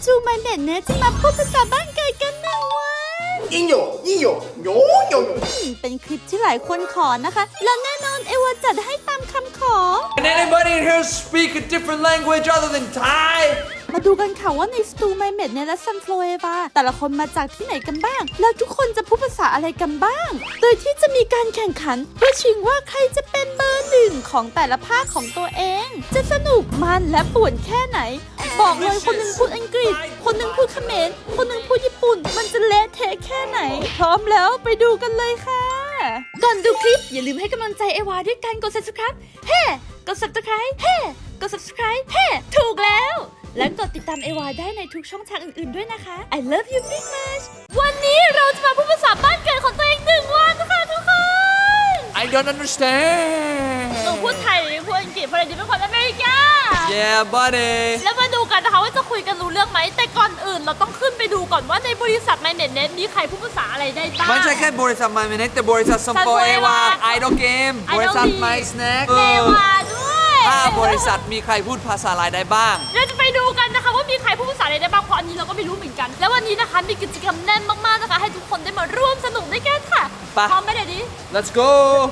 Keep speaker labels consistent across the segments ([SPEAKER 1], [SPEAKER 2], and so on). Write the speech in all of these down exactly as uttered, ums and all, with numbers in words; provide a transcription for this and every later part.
[SPEAKER 1] Stu My Mate เนี่ยจะมาพูดภาษาบ้านเกิดกันหนึ่งวัน
[SPEAKER 2] ยิ่งโยยิ่งโยโยโยโย
[SPEAKER 1] เป็นคลิปที่หลายคนขอนะคะแล้วแน่นอนเอวาจัดให้ตามคำขอ
[SPEAKER 3] Can anybody in here speak a different language other than Thai?
[SPEAKER 1] มาดูกันค่ะว่าใน Stu My Mate เนี่ยและ Sunflower Eva แต่ละคนมาจากที่ไหนกันบ้างแล้วทุกคนจะพูดภาษาอะไรกันบ้างโดยที่จะมีการแข่งขันเพื่อชิงว่าใครจะเป็นเบอร์หนึ่งของแต่ละภาคของตัวเองจะสนุกมันและป่วนแค่ไหนบอกเลยคนหนึ่งพูดอังกฤษคนหนึ่งพูดเขมรคนหนึ่งพูดญี่ปุ่นมันจะเละเทะแค่ไหนพร้อมแล้วไปดูกันเลยค่ะก่อนดูคลิปอย่าลืมให้กำลังใจเอวาด้วยการกด Subscribe เฮ้ กด Subscribe เฮ้ กด Subscribe เฮ้ ถูกแล้วและกดติดตามเอวาได้ในทุกช่องทางอื่นๆด้วยนะคะ I love you big much วันนี้เราจะมาพูดภาษาบ้านเกิดของตัวเองหนึ่งวันนะคะทุกคน
[SPEAKER 3] I don't understand.
[SPEAKER 1] หนูพูดไทยหรือพูดอังกฤษเพราะเดี๋ยวเป็นคนอเมริกา
[SPEAKER 3] Yeah, buddy.
[SPEAKER 1] แล้วมาดูกันนะคะว่าจะคุยกันรู้เรื่องไหมแต่ก่อนอื่นเราต้องขึ้นไปดูก่อนว่าในบริษัท My Net Net มีใครพูดภาษาอะไรได้บ้าง
[SPEAKER 3] ไม่ใช่แค่บริษัท My Minute แต่บริษัท Sunflower Eva Idol Game บริษัท My Snack
[SPEAKER 1] เอวาด้วย
[SPEAKER 3] ถ้าบริษัทมีใครพูดภาษาอะไรได้บ้าง
[SPEAKER 1] เราจะไปดูกันนะคะว่ามีใครพูดภาษาอะไรได้บ้างเพราะอันนี้เราก็ไม่รู้เหมือนกันแล้ววันนี้นะคะมีกิจกรรมแน่นมากๆนะคะให้ทุกคนได้มาร่วมสนุกด้วยกันค่ะ
[SPEAKER 3] ไป
[SPEAKER 1] พร้อมไหมเดี๋ยวนี้
[SPEAKER 3] Let's go.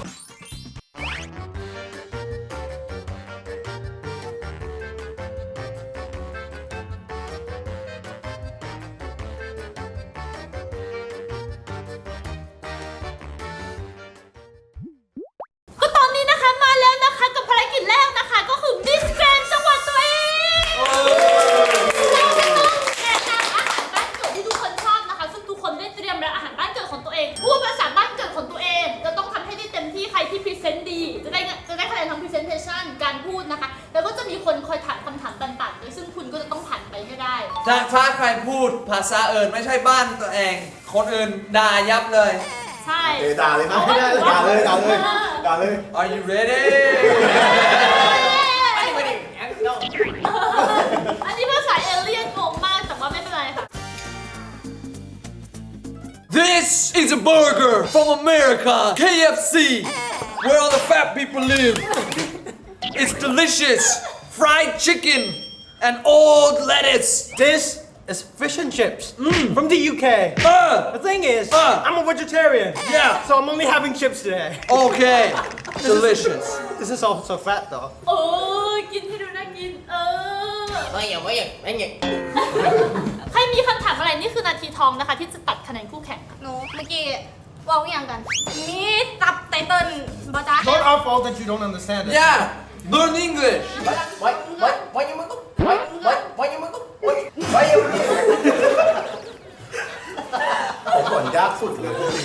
[SPEAKER 1] ก็ตอนนี้นะคะมาแล้วนะคะกับภารกิจแรกนะคะก็คือมิสแกรนจังหวัดตัวเองเราจะต้องแนะนำอาหารบ้านเกิดที่ทุกคนชอบนะคะซึ่งทุกคนได้เตรียมแล้วอาหารบ้านเกิดของตัวเองพูดภาษาบ้านเกิดของตัวเองจะต้องทำให้ได้เต็มที่ใครที่พรีเซนต์ดีจะได้จะได้คะแนนทางพรีเซนเทชันการพูดนะคะแล้วก็จะมีคนคอยถามคำถามต่างๆโดยซึ่งคุณก็จะต้องผ่านไปให้ได้
[SPEAKER 3] ถ้าถ้าใครพูดภาษาอื่นไม่ใช่บ้านตัวเอง คนอื่นด่ายับเลย
[SPEAKER 1] ใช่
[SPEAKER 2] เอด่าเลยนะไม่ได้ด่าเลยด่าเลยด่าเลย
[SPEAKER 3] Are you ready?
[SPEAKER 1] อันนี้ภาษาเอเลี่ยนงงมากแต่ว่าไม่เป็นไรค่ะ
[SPEAKER 3] This is a burger from America, K F C, where all the fat people live. It's delicious, fried chicken and old lettuce.
[SPEAKER 4] This is fish and chips from the U K.
[SPEAKER 3] Uh,
[SPEAKER 4] The thing is,
[SPEAKER 3] Uh.
[SPEAKER 4] I'm a vegetarian.
[SPEAKER 3] Yeah.
[SPEAKER 4] So I'm only having chips today.
[SPEAKER 3] okay, delicious.
[SPEAKER 4] This is also fat though.
[SPEAKER 1] โอ้กินให้ดูน่ากินเออ
[SPEAKER 2] ไม่อย่างไม่อย่างไม่อย่าง
[SPEAKER 1] ใครมีคำถามอะไรนี่คือนาทีทองนะคะที่จะตัดคะแนนคู่แข่ง
[SPEAKER 5] หนูเมื่อกี้ว่าอย่างกัน มีตับไตเติ้ลบอจ้า
[SPEAKER 4] It's not our fault that you don't understand it.
[SPEAKER 3] Yeah, learn English.
[SPEAKER 2] ไว้ไว้ไว้ยังมึงก็ไว้ไว้ไว้ยังมึงก็ไว้ไว้ยังมึงผมผลยากสุดเลย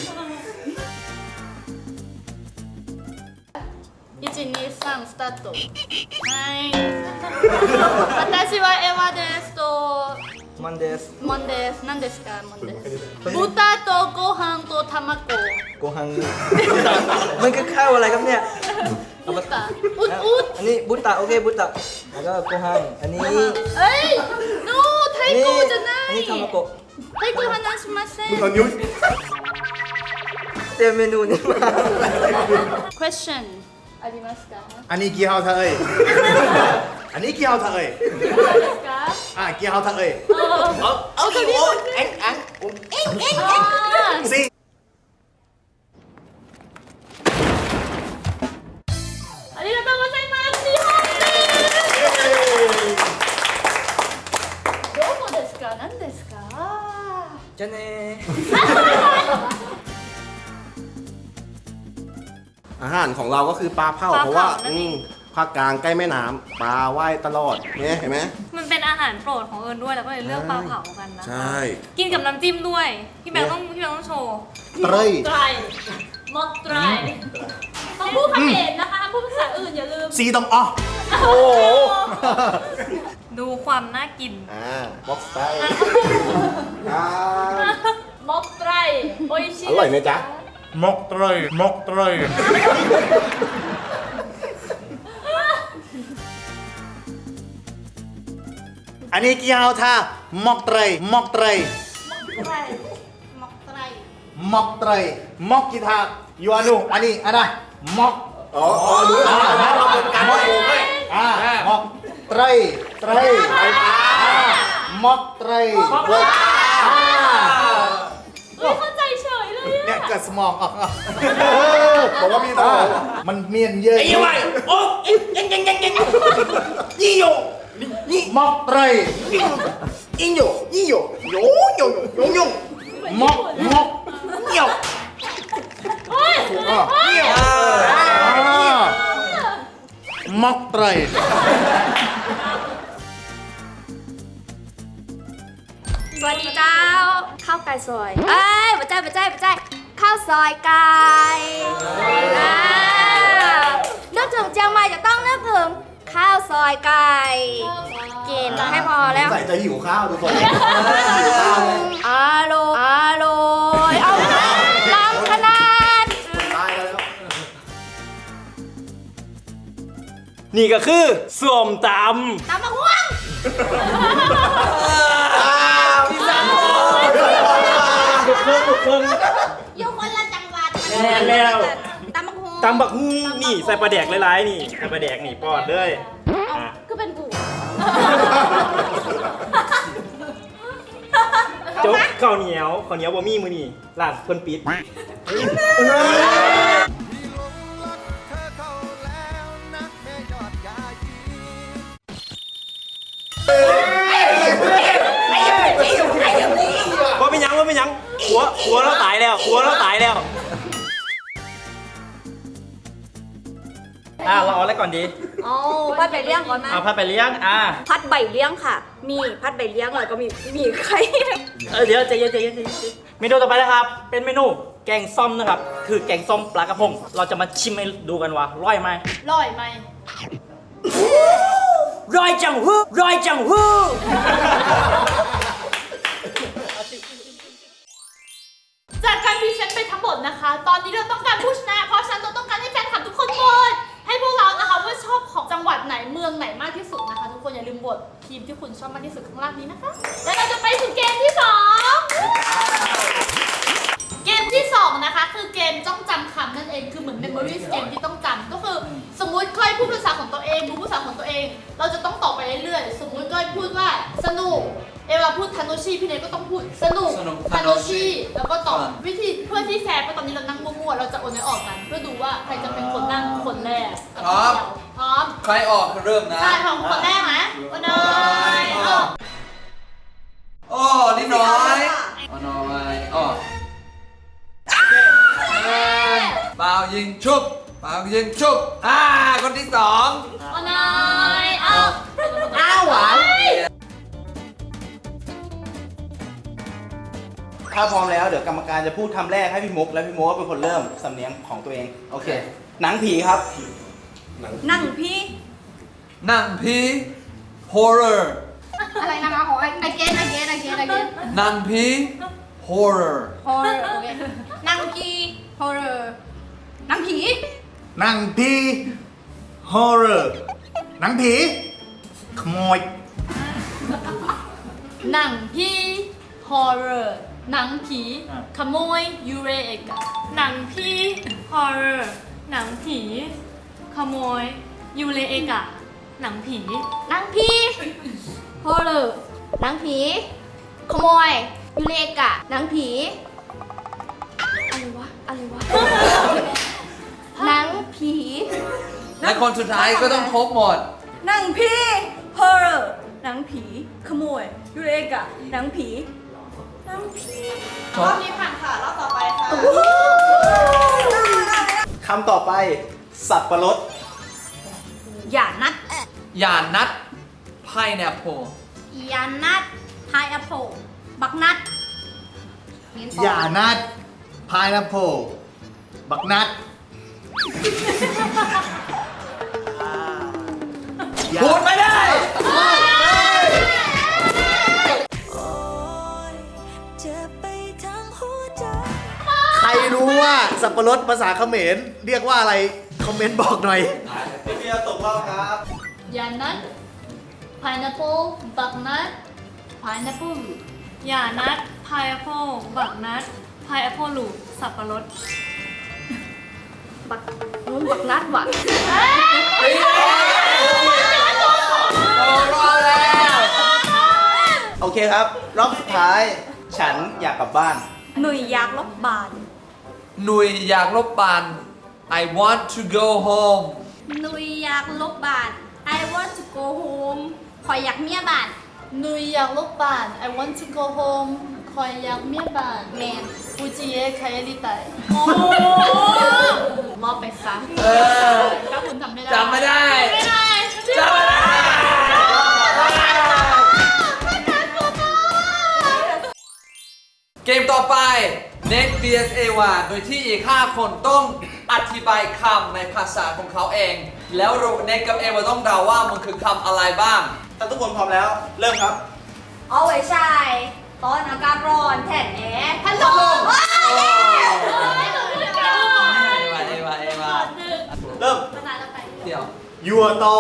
[SPEAKER 1] いち、に、さん、スタートはい私はエヴァですと
[SPEAKER 4] มันです
[SPEAKER 1] モンです何ですかモンです豚とご飯と卵
[SPEAKER 4] โกฮัง มันคือข้าวอะไรครับเนี่ย
[SPEAKER 1] 豚อุดอุด
[SPEAKER 4] อันนี้บุตตะโอเคบุตตะแล้วก็โกฮังอันนี้
[SPEAKER 1] เอ้ย no ไทยโกじゃな
[SPEAKER 4] อัน
[SPEAKER 1] い
[SPEAKER 4] นี้ทามาโกะ
[SPEAKER 1] ไทยโก話しません
[SPEAKER 2] ตอนนิ้ว
[SPEAKER 4] เตรียมเมนูนี้มา
[SPEAKER 1] question ありますか
[SPEAKER 2] อันนี้กี่เฮาเธอเอ้ยอันนี้กี่เฮาเธอเอ้ย
[SPEAKER 1] 何ですか
[SPEAKER 2] อ่ะกี่เฮาเธอเอ้ย
[SPEAKER 1] あ
[SPEAKER 2] เอาเอากี่โอ้เอ็งเอ็งเอ็งเอ็งเอ็ง
[SPEAKER 1] あ
[SPEAKER 2] สิ
[SPEAKER 1] ありがとうございます日本ですどこですか何ですか
[SPEAKER 4] จะเน่
[SPEAKER 2] อาหารของเราก็คือปลาเผาเพราะว่าอืมภาคกลางใกล้แม่น้ำปลาว่ายตลอดเนี่ยเห็นไหม
[SPEAKER 5] มันเป็นอาหารโปรดของเอิญด้วยแล้วก็เลยเลือกปลาเผากันนะ
[SPEAKER 2] ใช่
[SPEAKER 5] กินกับน้ำจิ้มด้วย พี่แบงค์ต้องพี่แบงค์ต้องโชว์
[SPEAKER 2] เตรย
[SPEAKER 1] ไตรมอกไตรต้องพูดคำเขมรนะคะพูดภาษาอื่นอย่าลืม
[SPEAKER 2] ซีตองอ๋อ
[SPEAKER 1] โอ้โห
[SPEAKER 5] ดูความน่ากิน
[SPEAKER 2] อ่าบ็อกซ์ไตอ่าม
[SPEAKER 1] อกไตรโอ้ยชิ
[SPEAKER 2] อร่อยไหมจ๊ะ
[SPEAKER 4] มกเตยมกเตย
[SPEAKER 2] อันนี้กี่เฮาท่าหมอกเตรยหมอกเตรย
[SPEAKER 5] ไตรหมกไตร
[SPEAKER 2] หมอกเตรยหมอกกี่ท่ายูอานุอันนี้อันน่ะหมอกอ๋ออ๋อรู้แล้วนะเราเป็นการหมอกอ่าหมอกเตรยเตรยอ่าห
[SPEAKER 4] ม็อกไตร
[SPEAKER 5] เฮ้ยเข้าใจเฉยเลยอะ
[SPEAKER 4] เนี่ยเกิดสมองออก
[SPEAKER 2] บอกว่ามีต่อ
[SPEAKER 4] มันเมียนเยอะ
[SPEAKER 6] ไอ้ยังไงโอ้ยยังยังยังยังยี่โยยี่
[SPEAKER 4] ม็อกไตร
[SPEAKER 6] ยิ่งโยยิ่งโยโยโยโยโย
[SPEAKER 4] ม็อกม็อก
[SPEAKER 6] เหี่ยว
[SPEAKER 5] เฮ้ย
[SPEAKER 4] อ่ะ
[SPEAKER 6] เหี่ยว
[SPEAKER 4] อ่าม็อกไตร
[SPEAKER 5] สวัสดีเจ้า ข้าวไก่ซอย เอ้ยมาใจมาใจมาใจข้าวซอยไก่อ่านึกถึงเชียงใหม่จะต้องนึกถึงข้าวซอยไก่กินให้พอแล้ว
[SPEAKER 2] ใส่ใจหิวข้าวทุกคนหิวข้าวเลย
[SPEAKER 5] อร่อยอร่อยเอาลำขนาด
[SPEAKER 2] ตายแล้ว
[SPEAKER 6] นี่ก็คือสวมต
[SPEAKER 5] ตามมาห่วง
[SPEAKER 6] ำพี่สาว
[SPEAKER 5] อยู่คนละจังหวัด
[SPEAKER 6] แน่แล้ว
[SPEAKER 5] ตามมาห่วง
[SPEAKER 6] ตำบักฮุ้งนี่ใส่ปลาแดกหลายๆนี่ใส่ปลาแดกนี่ปอดเลยอ่ะ
[SPEAKER 5] ก็เป็นกู
[SPEAKER 6] โจ๊กข้าวเหนียวข้าวเหนียวบะหมี่มือนี่ร้านเพิ่นปิด ว่าเป็นหยังว่าเป็นหยังหัวหัวเราตายแล้วหัวเราตายแล้ว อ่าเราเอาอะไรก่อนดี
[SPEAKER 5] เอาพัดใบเลี้ยงก่อนนะ
[SPEAKER 6] เอาผัดไปเลี้ยงอ่า
[SPEAKER 5] พัดใบเลี้ยงค่ะ มีพัดใบเลี้ยงแล้วก็มีมีไข่
[SPEAKER 6] เออเดี๋ยวใจเย็นใจเย็นใจเย็นเมนูต่อไปนะครับ เป็นเมนูแกงส้มนะครับ คือแกงส้มปลากระพง เราจะมาชิมให้ดูกันว่าร่อยไหม
[SPEAKER 5] ร่อยไหม
[SPEAKER 6] ร่อยจังฮู้ร่อยจังฮู้
[SPEAKER 1] จากการพรีเซนต์ไปทั้งหมดนะคะ ตอนนี้เราต้องการผู้ชนะ เพราะฉะนั้นเราต้องการให้แฟนคลับทุกคนโหวตให้พวกเรานะคะว่าชอบของจังหวัดไหนเมืองไหนมากที่สุดนะคะ ทุกคนอย่าลืมโหวตทีมที่คุณชอบมากที่สุดข้างล่างนี้นะคะ แล้วเราจะไปสู่เกมที่สองเกมที่สองนะคะ คือเกมต้องจำคำนั่นเองคือเหมือน memory เกมที่ต้องจำก็คือสมมุติก้อยพูดภาษาของตัวเองรู้ภาษาของตัวเอง เราจะต้องตอบไปเรื่อยๆสมมุติก้อยพูดว่าสนุกเอวาพูดทาโนชิพี่เนยก็ต้องพูดสนุกทาโนชิแล้วก็ตอบวิธีเพื่อที่แฟร์เพราะตอนนี้เรานั่งมั่วๆเราจะโอนให้ออกกัน เพื่อดูว่าใครจะเป็นคนนั่งคนแรก
[SPEAKER 3] พร้อม
[SPEAKER 1] พร้อม
[SPEAKER 3] ใครออกเริ่มนะ
[SPEAKER 1] ใช่ของคนแรกนะโอนอยออก
[SPEAKER 3] โอ้นิดน้อยเอาน้อยอ๋อเปล่ายิงชุบเปล่ายิงชุบอ่าคนที่สอง
[SPEAKER 1] โอนอยออก
[SPEAKER 6] อ้าวหวาน
[SPEAKER 4] ถ้าพร้อมแล้วเดี๋ยวกรรมการจะพูดคำแรกให้พี่มุกและพี่มุกเป็นคนเริ่มสำเนียงของตัวเองโอเคหนังผีครับ
[SPEAKER 5] นั่งพี่
[SPEAKER 3] นั่งพี horror
[SPEAKER 5] อะไรนะคะของไอเกนไอเกนไอเกนไอเกน
[SPEAKER 3] นั่งพี horror
[SPEAKER 5] horror โอเคนั่งพี่ horror นั่งผี
[SPEAKER 4] หนังผีฮอร์เรอร์หนังผีขโมย
[SPEAKER 1] หนังผีฮอร์เรอร์หนังผีขโมยยูเรเอกะ
[SPEAKER 7] หนังพี่ฮอร์เรอร์หนังผี ขโมย ยูเลเอกะ หนังผี
[SPEAKER 5] นั่งพี่ horror นั่งผี ขโมย ยูเลกะนั่งผี อะไรวะ อะไรวะ นั่งผี
[SPEAKER 3] และคนสุดท้ายก็ต้องครบหมด
[SPEAKER 7] หนังพี่ horror หนังผี ขโมย ยูเลเอกะ หนังผี หนังผี
[SPEAKER 3] รอบ
[SPEAKER 5] นี้ผ่านค่ะรอบต่อไปค่ะ
[SPEAKER 4] คำต่อไป สับปะรด
[SPEAKER 5] อย่านัด
[SPEAKER 3] อย่านัด pineapple
[SPEAKER 5] อย่านัดพายแอปเปิลบักนัด
[SPEAKER 4] อย่านัดพายนัพโพบักนัด
[SPEAKER 3] พูดไม่ได้
[SPEAKER 4] ใครรู้ว่าสับปะรดภาษาเขมรเรียกว่าอะไร คอมเมนต์บอกหน่อย
[SPEAKER 2] พี่เบียร์ตกรอบครับ
[SPEAKER 1] ยานัท pineapple บักนัท pineapple
[SPEAKER 7] อย่านัดพายแอปเปิลบักนัดพายแอปเปิลลูสับปะรด
[SPEAKER 5] บักนู้นบักนัดว่ะ
[SPEAKER 3] โอ้รอดแล้ว
[SPEAKER 4] โอโอเคครับ รอบสุดท้าย ฉันอยากกลับบ้าน
[SPEAKER 5] หนุ่ยอยากลบบาน
[SPEAKER 3] หนุยอยากลบบาน I want to go home
[SPEAKER 5] หนุ่ยอยากลบบาน I want to go home คอยอยากเมียบาน
[SPEAKER 1] หนุยอยากลบบ้าน I want to go home คอยอยากเมียบ้าน
[SPEAKER 5] แมน
[SPEAKER 1] ฟูจิเอะใครลิไตมอบไปซะ
[SPEAKER 3] เออ
[SPEAKER 1] ถ้าคุณทำไม่ได้
[SPEAKER 3] จำไม่ได้
[SPEAKER 1] ไม่ได้
[SPEAKER 3] จำไม่ได้เกมต่อไป Next บี เอส เอ วา โดยที่อีก ห้า คนต้องอธิบายคำในภาษาของเขาเอง แล้วเน็กกับเอวาต้องเดาว่ามันคือคำอะไรบ้าง
[SPEAKER 4] ถ้าทุกคนพร้อมแล้ว เริ่มครับ
[SPEAKER 5] เอาไว้ใช่ตอนอากาศร้อนแผ่นแอร์พัดลมว้าว
[SPEAKER 3] เอวาเอวาเอวา
[SPEAKER 4] เริ่ม
[SPEAKER 5] ภาษาต่อไป
[SPEAKER 3] เดี๋ยว
[SPEAKER 2] ยัวโต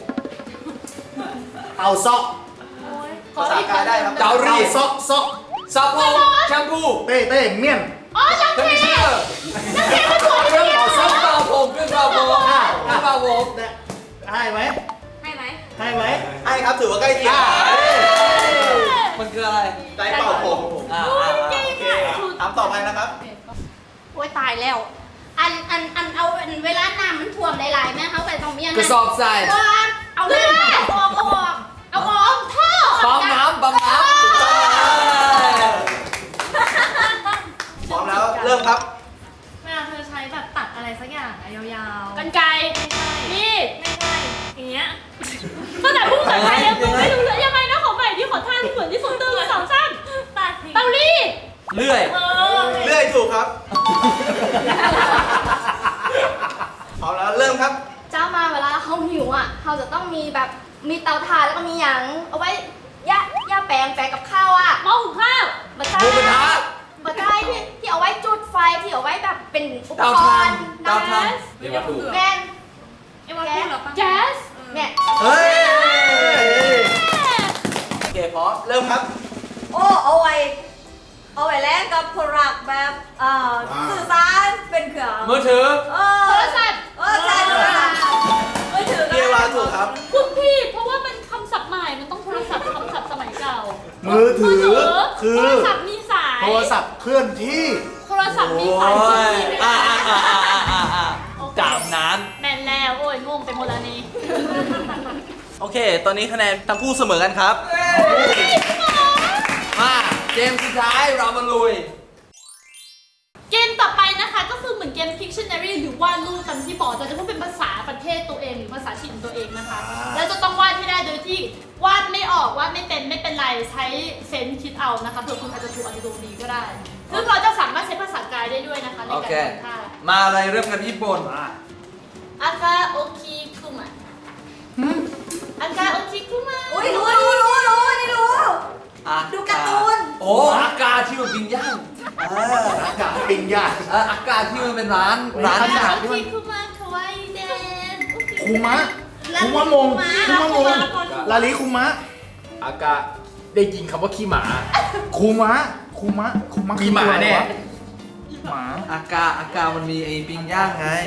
[SPEAKER 2] เอาซอก
[SPEAKER 4] ภาษากายได้ครับ
[SPEAKER 3] เกาหลี
[SPEAKER 2] ซอกซอก
[SPEAKER 3] ซับผมแชมพู
[SPEAKER 2] เต้เต้เมี่ยน
[SPEAKER 3] คอนดิชเนอร์เครื่องเป่าซับเป่าผมเครื่องเป่าผมเครื่องเป่าผม
[SPEAKER 2] ให้ไหม
[SPEAKER 5] ให้ไหม
[SPEAKER 2] ให้ไหม
[SPEAKER 4] ให้ครับถือว่าใกล้เคียง
[SPEAKER 3] มันคืออะไร
[SPEAKER 4] ได้เป่าผม
[SPEAKER 3] อ่าอ่า
[SPEAKER 4] โอเคถามต่อไปนะครับ
[SPEAKER 5] โอ้ยตายแล้ว อันอันอันเอาอันเวลาน้ำมันท่วมหลายๆแม่เขาไปต้องมีอัน
[SPEAKER 3] กระสอบทราย
[SPEAKER 5] เอาเลยเอาออกเอาออกเอาออกท่อ
[SPEAKER 3] ปั๊มน้ำปั๊มน้ำ
[SPEAKER 4] พร้อมแล้ว เริ่มครับ
[SPEAKER 7] เวลาเธอใช้แบบตัดอะไรสักอย่างอะยาวๆ
[SPEAKER 1] กันไกร
[SPEAKER 7] นี่ไม่ใช่อย่างเงี้ยตั้งแต่พูดภาษาไทยยังไม่รู้เลยยังไงนะขอใหม่ที่ขอท่าที่เหมือนที่สุดตื่นสองสั้นตัดทิ้งเตารีด
[SPEAKER 3] เลื่อย
[SPEAKER 7] เออ
[SPEAKER 4] เลื่อยถูกครับ พร้อมแล้ว เริ่มครับ
[SPEAKER 5] เจ้ามาเวลาเขาหิวอ่ะเขาจะต้องมีแบบมีเตาถ่านแล้วก็มีหยังเอาไว้ย่าย่าแปลงแปลงกับข้าวอ่ะ
[SPEAKER 7] หม้อหุงข้าว
[SPEAKER 5] บัตร
[SPEAKER 3] หมูกระทะ
[SPEAKER 5] บัตรที่ที่เอาไว้จุดไฟที่เอาไว้แบบเป็นอุป
[SPEAKER 3] เตาก ถ่าน
[SPEAKER 5] รณ์
[SPEAKER 3] เตาถ่าน
[SPEAKER 7] เรียกว่าถูก
[SPEAKER 5] แมน
[SPEAKER 7] เอ็มว่าถูกเหรอปะ
[SPEAKER 1] แก๊ส
[SPEAKER 5] เนี่ย
[SPEAKER 4] เฮ้ย โอเคพร้อม เริ่มครับ
[SPEAKER 5] โอ้เอาไว้เอาไว้แลกกับโปรดักต์แบบเอ่อสื่อสารเป็นเครื่อง
[SPEAKER 3] มือถือ
[SPEAKER 5] เออ
[SPEAKER 1] โทรศัพท์
[SPEAKER 5] เออใช่โทรศัพท์มือถือ
[SPEAKER 4] เกียร์วาถูกครับ
[SPEAKER 1] คุณพี่ เพราะว่ามันคำศัพท์ใหม่ มันต้องโทรศัพท์คำศัพท์สมัยเก่า
[SPEAKER 2] มือถือ คือ
[SPEAKER 1] โทรศัพท์มีสาย
[SPEAKER 2] โทรศัพท์เคลื่อนที่
[SPEAKER 1] โทรศัพท์มีสาย
[SPEAKER 3] โอ้ย
[SPEAKER 1] ที่ไม่
[SPEAKER 3] อ่า
[SPEAKER 1] ได้
[SPEAKER 3] อ่าอ่าอ่าอ่าอ่าจามนั้น
[SPEAKER 1] แมนแล้ว โอ้ยงงไปหมดแล้วนี่
[SPEAKER 4] โอเค ตอนนี้คะแนนทั้งคู่เสมอกันครับ
[SPEAKER 3] มาเกมสุดท้ายเรามาลุย
[SPEAKER 1] เกมต่อไปนะคะก็คือเหมือนเกม Pictionary หรือวาดรูปตามที่บอกเราจะพูดเป็นภาษาประเทศตัวเองหรือภาษาถิ่นตัวเองนะคะ แล้วจะต้องวาดให้ได้โดยที่วาดไม่ออกวาดไม่เป็นไม่เป็นไรใช้เซนส์คิดเอานะคะเผื่อคุณอาจจะถูกอาจจะถูกดีก็ได้ ซึ่งเราจะสามารถใช้ภาษากายได้ด้วยนะคะใน
[SPEAKER 3] โอ
[SPEAKER 1] การ
[SPEAKER 3] เค
[SPEAKER 1] ทำท่า
[SPEAKER 3] มาอะไรเริ่มกันญี่ปุ่น
[SPEAKER 1] อากาโอคิคุมะอากาโอคิคุมะ
[SPEAKER 5] อุ้ยรู้รู้รู้รู้นี่รู้
[SPEAKER 3] อ่ะ
[SPEAKER 5] ดูการ์ตูน
[SPEAKER 3] โอ้อากาที่มันปิ้งย่าง
[SPEAKER 2] อากาศปิ้งย่าง
[SPEAKER 3] เอออากาที่มันเป็นร้านร้าน
[SPEAKER 1] อา
[SPEAKER 3] อาก
[SPEAKER 1] า
[SPEAKER 3] หาร
[SPEAKER 1] โอ
[SPEAKER 3] ที่มั
[SPEAKER 1] คิ
[SPEAKER 3] น
[SPEAKER 1] คุมะคาวาอิเดน
[SPEAKER 2] คูมะคูมะมงคูมะมงลาลิคูมะ
[SPEAKER 8] อากาได้ยินคำว่าขี้หมา
[SPEAKER 2] คูมะคูมะคูมะ
[SPEAKER 8] มีหมาแน่
[SPEAKER 2] หมา
[SPEAKER 3] อากาอากามันมีไอ้ปิ้งย่างไง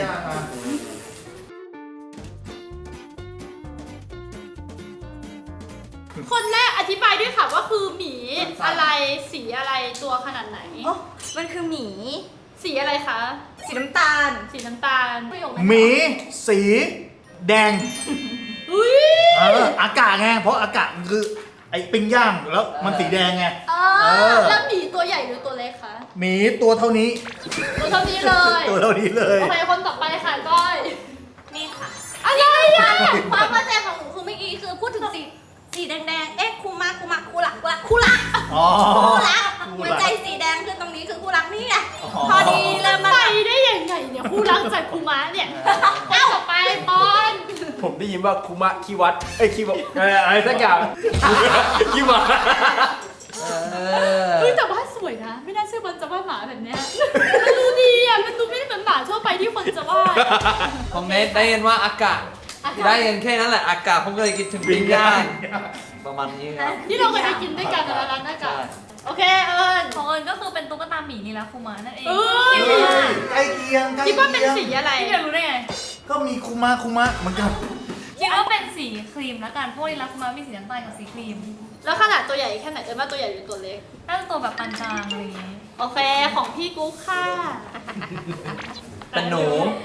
[SPEAKER 1] คนแรกอธิบายด้วยค่ะว่าคือหมีอะไรสีอะไรตัวขนาดไหน
[SPEAKER 5] โอ้มันคือหมี
[SPEAKER 1] สีอะไรคะ
[SPEAKER 5] สีน้ำตาล
[SPEAKER 1] สีน้ำตาลประโยคไหน
[SPEAKER 2] หมี สี แดง
[SPEAKER 1] อุ้ย
[SPEAKER 2] เออ อากาศไง เพราะอากาศมันคือไอ้ปิ้งย่างแล้วมันสีแดงไง
[SPEAKER 1] เอ
[SPEAKER 2] เอ
[SPEAKER 1] อ
[SPEAKER 2] อ
[SPEAKER 1] แล้วหมีตัวใหญ่หรือตัวเล็กคะ
[SPEAKER 2] หมีตัวเท่านี้
[SPEAKER 1] ตัวเท่านี้เลย
[SPEAKER 2] ตัวเท่านี้เลย
[SPEAKER 1] โอเคคนต่อไปค่ะก้อย
[SPEAKER 5] นี่ค่ะ
[SPEAKER 1] อะไรอ่ะ
[SPEAKER 5] ความเข้าใจของหนูคือเมื่อกี้คือพูดถึงสีสีแดงๆ เอ๊ะคูมาคูมาคูรักคูรักคูรัก
[SPEAKER 2] อ๋อ
[SPEAKER 5] คู่รัก
[SPEAKER 2] คู่
[SPEAKER 5] หัว
[SPEAKER 2] รัก
[SPEAKER 5] ใจสีแดงคือตรงนี้คือคู่รักนี่ไง
[SPEAKER 2] อ๋อ
[SPEAKER 5] พอดีเลยมัน
[SPEAKER 1] ไปได้ยังไงเนี่ยคู่รักจากคูม้าเนี่ยเอ้าต่อไปปอน
[SPEAKER 8] ผมได้ยินว่าคุมะขี้วัด เอ้ยขี้บอกเอออะไรสักอย่าง ขี้หมา
[SPEAKER 3] เออ
[SPEAKER 1] เฮ้ยแต่ว่าสวยนะ ไม่น่าเชื่อมันจะว่าหมาแบบเนี้ยมันดูดีอ่ะมันดูไม่ได้เหมือนหมาทั่วไปที่คนจะว่า
[SPEAKER 3] คอมเมนต์ได้ยินว่าอากาศ
[SPEAKER 1] อากาศ
[SPEAKER 3] ได้ยินแค่นั้นแหละอากาศผมก็เลยคิดถึงปิ้งย่างประมาณนี้ครับ
[SPEAKER 1] ที่เราเคยไปกินด้วยกันในร้านหน้ากากโอเคเอิญ
[SPEAKER 7] ของเอิญก็คือเป็นตุ๊กตาหมีนี่แหละคูมานั่นเอง
[SPEAKER 1] เออ
[SPEAKER 2] เฮ้ยใกล้เคียงใกล้
[SPEAKER 1] คิดว่าเป็น
[SPEAKER 2] เคียง
[SPEAKER 1] สีอะไร
[SPEAKER 7] พี่จะรู้ได้ไง
[SPEAKER 2] ก็มีคูมะคูมะเหมือนกัน
[SPEAKER 7] คิดว่าเป็นสีครีมแล้วกันเพราะว่าในรักคูมามีสีน้ำตาลกับสีครีมแล้วขนาดตัวใหญ่แค่ไหนเอิญว่าตัวใหญ่หรือตัวเล็ก
[SPEAKER 9] น่าจะตัวแบบปานกลางอะไรอย่างงี้
[SPEAKER 7] โอเคของพี่กุ๊กค่ะ
[SPEAKER 3] เป็นหนู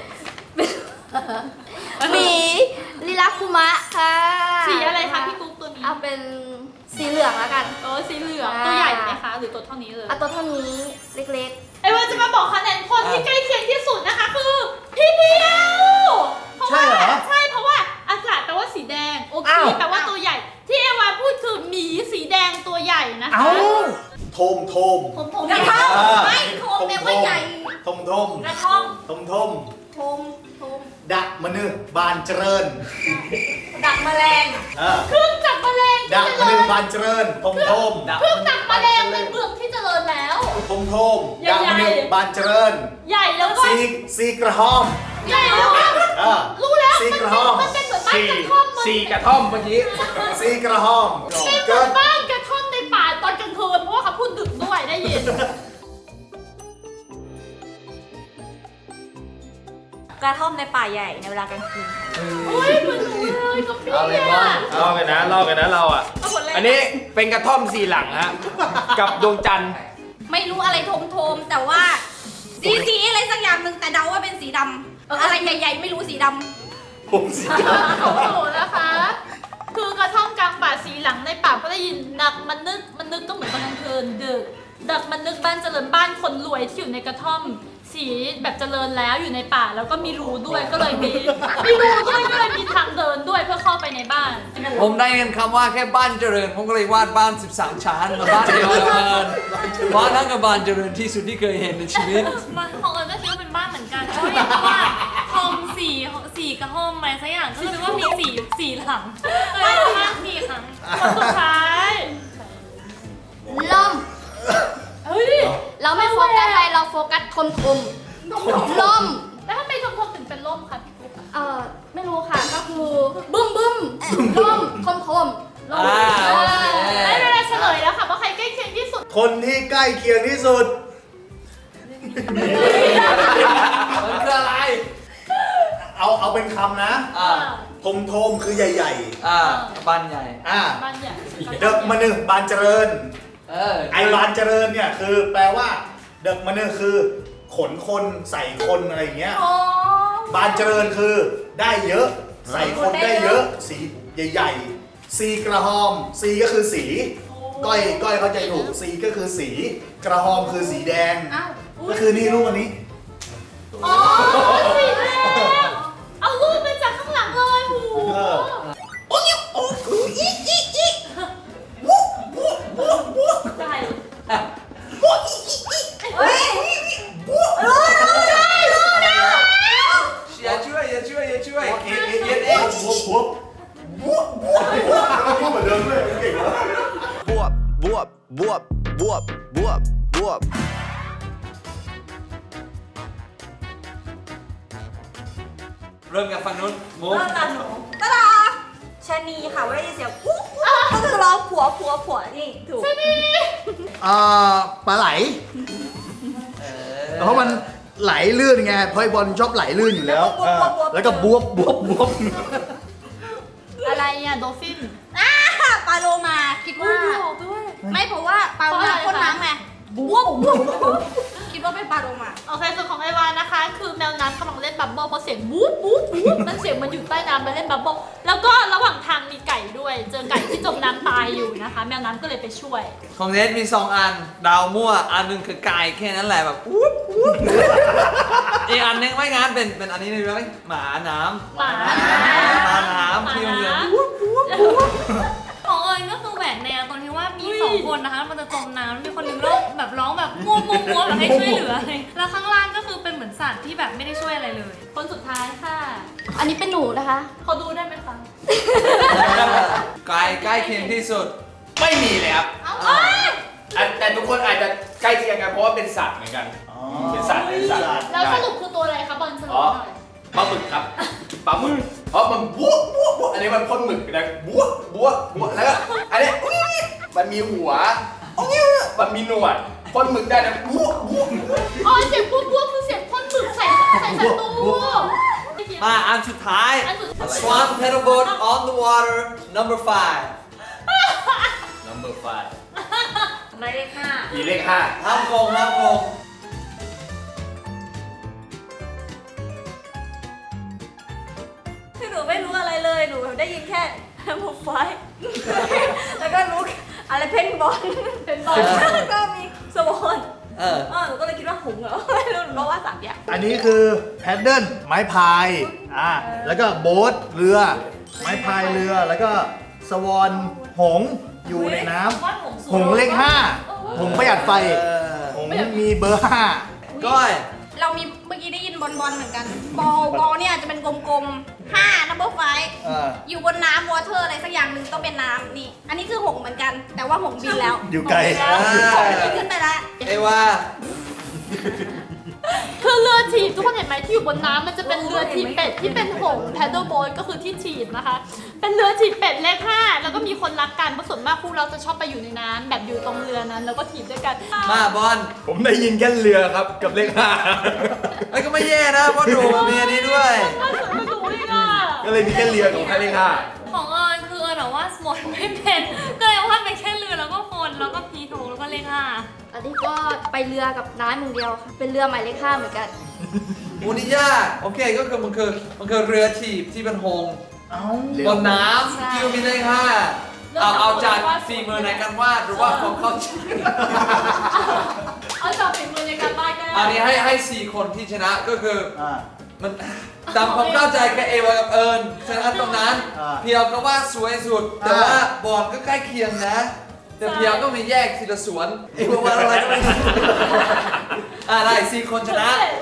[SPEAKER 5] หมีลิลาคุมะค่ะ
[SPEAKER 7] สีอะไรคะพี่กุ๊กตัวนี้
[SPEAKER 5] เอาเป็นสีเหลืองแล้วกัน
[SPEAKER 7] เออสีเหลือง
[SPEAKER 5] อ่า
[SPEAKER 7] ตัวใหญ่ไหมคะ หรือตัวเท่านี้เลย
[SPEAKER 5] เอาตัวเท่านี้เล็ก
[SPEAKER 7] ไอ้ว่าจะมาบอกคะแนนคนที่ใกล้เคียงที่สุดนะคะคือพี่เพียวเพราะว่า
[SPEAKER 4] ใช่เหรอ
[SPEAKER 7] ใช่เพราะว่าอากาศแปลว่าสีแดงโอเค
[SPEAKER 4] อ้าว
[SPEAKER 7] แปลว่าตัวใหญ่ ที่เอวาพูดคือหมีสีแดงตัวใหญ่นะคะ
[SPEAKER 4] เอ้าโทมโทม
[SPEAKER 7] ผมผม
[SPEAKER 5] ๆกระท่อมไม่โทมแปลว่าใหญ่
[SPEAKER 10] ทมทม
[SPEAKER 7] กระท่อม
[SPEAKER 10] ทมทม
[SPEAKER 5] โทมโทม
[SPEAKER 10] ดักมะนึบานเจริญ
[SPEAKER 5] ดักแมลง
[SPEAKER 10] เออ
[SPEAKER 7] เครื่องจับแมลง
[SPEAKER 10] ดัก
[SPEAKER 7] ที่
[SPEAKER 10] มะ
[SPEAKER 7] เจ
[SPEAKER 10] นึ
[SPEAKER 7] ริญ
[SPEAKER 10] บานเจริญทมทม
[SPEAKER 7] เครื่องจับแมลงในเมืองที่เจริญแล้ว
[SPEAKER 10] ทมทม
[SPEAKER 7] ใหญ่
[SPEAKER 10] ดักมะนึบานเจริญ
[SPEAKER 7] ใหญ่แล้วก็
[SPEAKER 10] ซีซีกระหอม
[SPEAKER 7] ใหญ่แล้วก็
[SPEAKER 10] เออ
[SPEAKER 7] รู้แล้ว
[SPEAKER 10] ซี
[SPEAKER 7] มัน
[SPEAKER 10] กระ
[SPEAKER 7] เป็
[SPEAKER 10] ห
[SPEAKER 7] น
[SPEAKER 10] อม
[SPEAKER 7] มันเป็นเหมือนบ้าน
[SPEAKER 8] สี่
[SPEAKER 7] กระท่อมมัน
[SPEAKER 8] สี่กระท่อมเมื่อกี้
[SPEAKER 10] ซีกระหอม
[SPEAKER 7] เป็นเหมื
[SPEAKER 10] เกิ
[SPEAKER 7] อน
[SPEAKER 10] ด
[SPEAKER 7] บ้านกระท่อมในป่าตอนกลางคืนเพราะว่าเขาพูดดึกด้วยได้ยิน
[SPEAKER 9] กระท่อมในป่าใหญ่ในเวลากลางคืน
[SPEAKER 7] อุ้ยเหมือนหนูเลยกับพี่
[SPEAKER 3] เอาเลย
[SPEAKER 7] อะ
[SPEAKER 3] บอล
[SPEAKER 8] ลอกกันนะลอกกันนะเราอ่ะ
[SPEAKER 7] เอาหมดเลย
[SPEAKER 8] อันนี้เป็นกระท่อมสี่หลังฮะ กับดวงจันทร์
[SPEAKER 5] ไม่รู้อะไรโทมโทมๆแต่ว่าสีสีอะไรสักอย่างหนึ่งแต่เดาว่าเป็นสีดำอะไรใหญ่ๆไม่รู้สีดำ
[SPEAKER 10] ผมสีด
[SPEAKER 7] ของหนูนะคะ คือกระท่อมกลางป่าสีหลังในป่าก็ได้ยินดักมันนึกมันนึกก็เหมือนตอนกลางคืนดึกดักมันนึกบ้านเจริญบ้านคนรวยที่อยู่ในกระท่อม สีแบบเจริญแล้วอยู่ในป่าแล้วก็มีรูด้วยก็เลยมีมีรูด้วยก็เลยมีทางเดินด้วยเพื่อเข้าไปในบ้าน
[SPEAKER 3] ผมได้ยินคำว่าแค่บ้านเจริญ ผมก็เลยวาดบ้าน สิบสาม ชั้นมาบ้านเดียวกันบ้านนั้นกับบ้านเจริญที่สุดที่เคยเห็นในชีวิต
[SPEAKER 9] มันของเอิญก็คิดว่าเป็นบ้านเหมือนกันเพราะเห็นว่าโฮมสี่สี่กระท่อมอะไรสักอย่างก็คือว่ามีสี่สี่หลังเลยบ้านสี่ครั้ง
[SPEAKER 7] คนสุดท้าย
[SPEAKER 5] ล่ม
[SPEAKER 7] เฮ้ย
[SPEAKER 5] เราไม่โฟกัสอะไรเราโฟกัสทมทมล่ม
[SPEAKER 7] แล้วทำไมทมทมถึงเป็นล่มคะพี่กุ๊ก
[SPEAKER 5] เออไม่รู้ค่ะก็คือบึ้มบึ้มล่มทมทมล่ม
[SPEAKER 3] อ่าโอเค
[SPEAKER 7] ได้เวลาเฉลยแล้วค่ะว่าใครใกล้เคียงที่สุด
[SPEAKER 10] ำคนที่ใกล้เคียงที่สุด
[SPEAKER 3] มันคืออะไร
[SPEAKER 10] เอาเอาเป็นคำนะ
[SPEAKER 3] อ่า
[SPEAKER 10] ทมทมคือใหญ่
[SPEAKER 3] อ่าบ้านใหญ่
[SPEAKER 10] ๆ อ่า
[SPEAKER 7] บ้านใหญ่
[SPEAKER 10] เด็กมะนึบานเจริญ
[SPEAKER 3] เออ
[SPEAKER 10] ไอบานเจริญเนี่ยคือแปลว่า เด็กมะนึคือขนคนใส่คนอะไรอย่างเงี้ย
[SPEAKER 7] อ๋อบ
[SPEAKER 10] านเจริญคือได้เยอะ ใส่คนได้เยอะ สีใหญ่ๆ ซีกระหอม ซีก็คือสี ก้อยก้อยเข้าใจถูก ซีก็คือสี กระหอมคือสีแดง
[SPEAKER 5] อ้าว
[SPEAKER 10] ก็คือนี่รูปอันนี้
[SPEAKER 7] อ๋อสีแดงเอารูปมาจากข้างหลังเลยหู
[SPEAKER 10] เออ
[SPEAKER 7] ใช่
[SPEAKER 3] อย่าช่วยอย่าช่วยอย่าช่วย
[SPEAKER 10] เอ๊ะเอ๊ะเอ๊ะบวบวบบวบบวบแล้วพูดเหมือนเดิมเลยเก่งแล้ว
[SPEAKER 11] บวบบวบบวบบวบบวบบวบ
[SPEAKER 3] เริ่มกับฝั่งนู้นมุก
[SPEAKER 9] เริ่มตามหนูตะดาชะนีค่ะเวลาได้ยินเสียงปุ๊บปุ๊บก็คือร้องผัวผัวผัวนี่ถูก
[SPEAKER 10] อ่าปลาไหล เพราะมันไหลลื่นไงเพราะไอ้บอลชอบไหลลื่นอยู่แล้วเออแล้วก็บวบบวบบวบ
[SPEAKER 7] อะไรอ่ะโดฟิน
[SPEAKER 5] อ่าปลาโลมาคิดว่า
[SPEAKER 7] ด้วย
[SPEAKER 5] ไม่เพราะว่าปลาโลมาพ่นน้ำไงบวบบุ๊บคิดว่าเป็นปลาโลมา
[SPEAKER 7] โอเคส่วนของไอวานะคะ คือแมวน้ำกำลังเล่นบับเบิ้ลเพราะเสียงบู๊บบู๊บบู๊บมันเสียงมันอยู่ใต้น้ำมาเล่นบับเบิ้ลแล้วก็ระหว่างทางมีไก่ด้วย เจอไก่ที่จมน้ำตายอยู่นะคะ แมวน้ำก็เลยไปช่วย
[SPEAKER 3] ของเนทมีสองอัน ดาวมั่ว อันหนึงคือไก่แค่นั้นแหละแบบอุ๊บอุ๊บอีกอันหนึงไม่งานเป็นเป็นอันนี้เลยไหมหมาน้ำ
[SPEAKER 7] หมา
[SPEAKER 3] หมาน้ำที่มันเรียน
[SPEAKER 9] ของเอิญก็คือแหวกแนวตรงที่ว่ามีสองคนนะคะมันจะจมน้ำมีคนหนึงร้องแบบร้องแบบมัวมัวมัวแบบให้ช่วยเหลือเลยแล้วข้างล่างก็คือเป็นเหมือนสัตว์ที่แบบไม่ได้ช่วยอะไรเลย
[SPEAKER 7] คนสุดท้ายค่ะ
[SPEAKER 5] อันนี้เป็นหนูนะคะ
[SPEAKER 7] เขาดูได้ไหมคะ
[SPEAKER 3] ไก่ใกล้เคียงที่สุด
[SPEAKER 8] ไม่มีเลยครับ
[SPEAKER 7] เอ้า
[SPEAKER 8] อ่ะแต่ทุกคนอาจจะใกล้เคียงกันเพราะว่าเป็นสัตว์เหมือนกัน เป็นสัตว์เป็นสัตว์
[SPEAKER 7] แล้วสรุปคือตัวอะไรคะบอลสรุป
[SPEAKER 8] อ๋อ
[SPEAKER 7] หน่อย
[SPEAKER 8] ปลาหมึกครับปลาหมึกเพราะมันบวบบวบบวบอันนี้มันพ่นหมึกนะบวบบวบบวบแล้วก็อันนี้อุ๊ยมันมีหัวมันมีหนวดพ่นหมึกได้นะบวบบวบ
[SPEAKER 7] อ๋อเสียงปุ๊บปุ๊บคือเสียงพ่นหมึกใส่ใส่ศัตรู
[SPEAKER 3] มาอันสุดท้าย
[SPEAKER 7] อันสุดท้าย
[SPEAKER 3] Swan pedal boat on the water number five
[SPEAKER 8] number five
[SPEAKER 9] หมายเลขห้า
[SPEAKER 8] อีเลขห้า
[SPEAKER 3] ห้ามโกงห้ามโกง
[SPEAKER 5] คือหนูไม่รู้อะไรเลยหนูได้ยินแค่มูฟไฟแล้วก็รู้อะไรเพนบอลเพนบอลแล้วก็มีสวอน
[SPEAKER 3] เออ
[SPEAKER 5] อ๋อหนูก็เลยคิดว่าหงส์เหรอไม่รู้หนูรู้ว่าสามอย่าง
[SPEAKER 10] อันนี้คือแพดเดิลไม้พายอ่าแล้วก็โบ๊ทเรือ ไม้พายเรือแล้วก็สวอนหงส์อยู่ในน้ำหงส์เลขห้าหงส์ประหยัดไฟหงส์มีเบอร์ห้า
[SPEAKER 3] ก้อย
[SPEAKER 5] เรามีเมื่อกี้ได้ยินบอลบอลเหมือนกัน บอลบอลเนี่ยจะเป็นกลมๆห้านัมเบอร์ไฟ
[SPEAKER 10] เออ
[SPEAKER 5] อยู่บนน้ำวอเตอร์อะไรสักอย่างหนึ่งต้องเป็นน้ำนี่ อันนี้คือหงส์เหมือนกัน แต่ว่าหงส์บินแล้ว
[SPEAKER 10] อยู่ไกล
[SPEAKER 5] หงส์บินแล้วหงส์บินขึ้นไปแล้ว
[SPEAKER 3] เอวา
[SPEAKER 7] คือเรือถีบทุกคนเห็นไหมที่อยู่บนน้ำมันจะเป็นเรือถีบเป็ดที่เป็นหงแพดเดิลโบ๊ทก็คือที่ถีบนะคะ เป็นเรือถีบเป็ดเลขห้าแล้วก็มีคนรักกันเพราะส่วนมากคู่เราจะชอบไปอยู่ในน้ำแบบอยู่ตรงเรือนั้นแล้วก็ถีบด้วยกัน
[SPEAKER 3] มาบอล
[SPEAKER 8] ผมได้ยินแค่เรือครับกับเลขห้า
[SPEAKER 3] ไอ้ยก็ไม่แย่นะเพราะดูมีอันนี้ด้วย
[SPEAKER 7] น่าสนไม่รู้เลยอ่ะ
[SPEAKER 8] ก็เลยมีแค่เรือกับแค่เลขห้า
[SPEAKER 9] ของเอิญคือเอิญแบบว่าสมดไม่เป็นก็เลยว่าเป็นแค่เรือแล้วก็คนแล้วก็พีถูกแล้วก็เลขห้า
[SPEAKER 5] อันนี้ก็ไปเรือกับน้ำอย่างเดียวค่ะเป็นเรือหมายเลขห้าเหมือนกัน
[SPEAKER 3] โอ้นี่ยากโอเคก็คือมันคือมันคือเรือถีบที่เป็นหงส์
[SPEAKER 10] เอ้า
[SPEAKER 3] บนน้ำที่มีเลขห้าเอาเอาจากฝีมือในการวาดหรือว่าของเขาจริง
[SPEAKER 7] เอาจากฝีมือในการบ้านก็ได้
[SPEAKER 3] อันนี้ให้ให้สี่คนที่ชนะก็คือ
[SPEAKER 10] อ่า
[SPEAKER 3] มันตามความเข้าใจแค่เอวากับเอิญชนะตรงนั้น
[SPEAKER 10] อ่า
[SPEAKER 3] เพียวก็ว่าสวยสุด แต่
[SPEAKER 10] อ่า
[SPEAKER 3] ว่าบอลก็ใกล้เคียงนะ แต่เพียวก็มีแยกทีละสวนเอวาว่าอะไรก็ไม่รู้อ่าได้สี่คนชนะ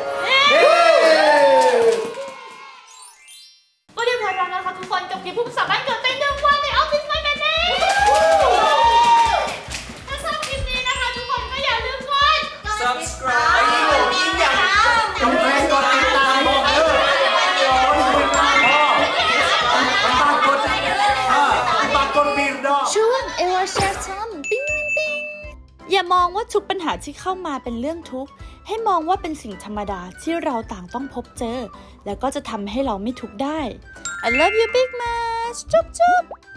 [SPEAKER 7] ก็เรียบร้อยแล้วนะคะทุกคนกับเกมผู้สามารถเกิดเต้นหนึ่งวันในออฟฟิศไม่แมนเน่ถ้าชอบคลิปนี้นะคะทุกคนก็อย่าลืมกด
[SPEAKER 3] subscribe
[SPEAKER 10] กำแพงกดติดตามบอกเออปากกดอ่าปากกดบีบดอก
[SPEAKER 1] ช่วงเอวาแชร์ทอมปิ้งปิ้งปิ้งอย่ามองว่าทุกปัญหาที่เข้ามาเป็นเรื่องทุกข์ให้มองว่าเป็นสิ่งธรรมดาที่เราต่างต้องพบเจอ แล้วก็จะทำให้เราไม่ทุกข์ได้ I love you big much จุ๊บจุ๊บ